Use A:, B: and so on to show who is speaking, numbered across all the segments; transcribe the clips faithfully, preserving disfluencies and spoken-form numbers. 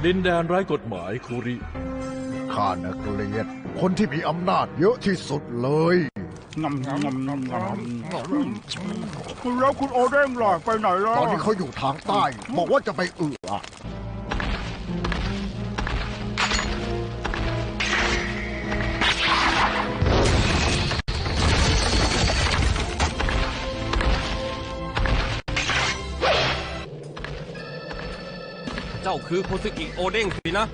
A: ดินแดนไร้กฎหมายคูริ
B: ข้าน่ะเกลียดคนที่มีอำนาจเยอะที่สุดเลย
C: งำงำงำงำคุณแล้วคุณโอเด้งหล่ะไปไหนแล้ว
B: ตอนนี้เขาอยู่ทางใต้ บอกว่าจะไปเอือ
D: เจ้าคือโคซึกิโอเด้งสินะ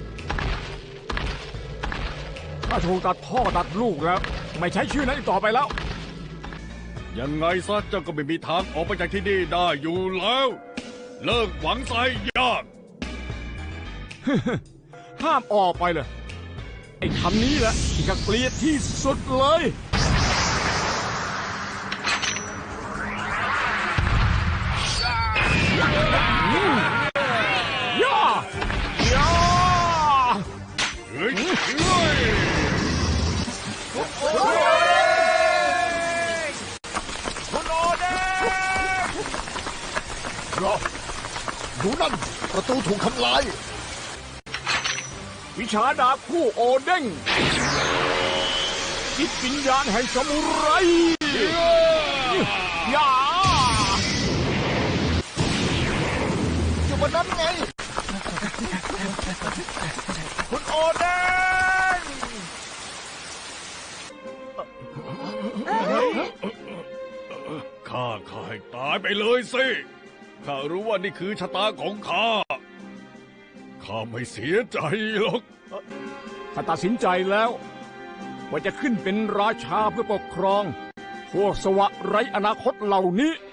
E: ถ้าถูกตัดพ่อตัดลูกแล้ว ไม่ใช้ชื่อนั้นอีกต่อไปแล้ว
C: ยังไงซะเจ้าก็ไม่มีทางออกไปจากที่นี่ได้อยู่แล้ว เลิกหวังใส่ยาก
E: ห้ามออกไปเลย ไอ้คำนี้แหละที่ข้าเกลียดที่สุดเลยย่าย่า
C: เฮ้ยเฮ้ย
E: คุณโอเด้ง
B: เหรอดูนั่นประตูถูกทำลาย
E: วิชาดาบคู่โอเด้งจิตวิญญาณแห่งสมุไรย่า
B: อยู่บนนั้นไง
E: คุณโอเด้ง
C: ข้าข้าให้ตายไปเลยสิข้ารู้ว่านี่คือชะตาของข้าข้าไม่เสียใจหรอก
E: ข้าตัดสินใจแล้วว่าจะขึ้นเป็นราชาเพื่อปกครองพวกสวะไร้อนาคตเหล่านี้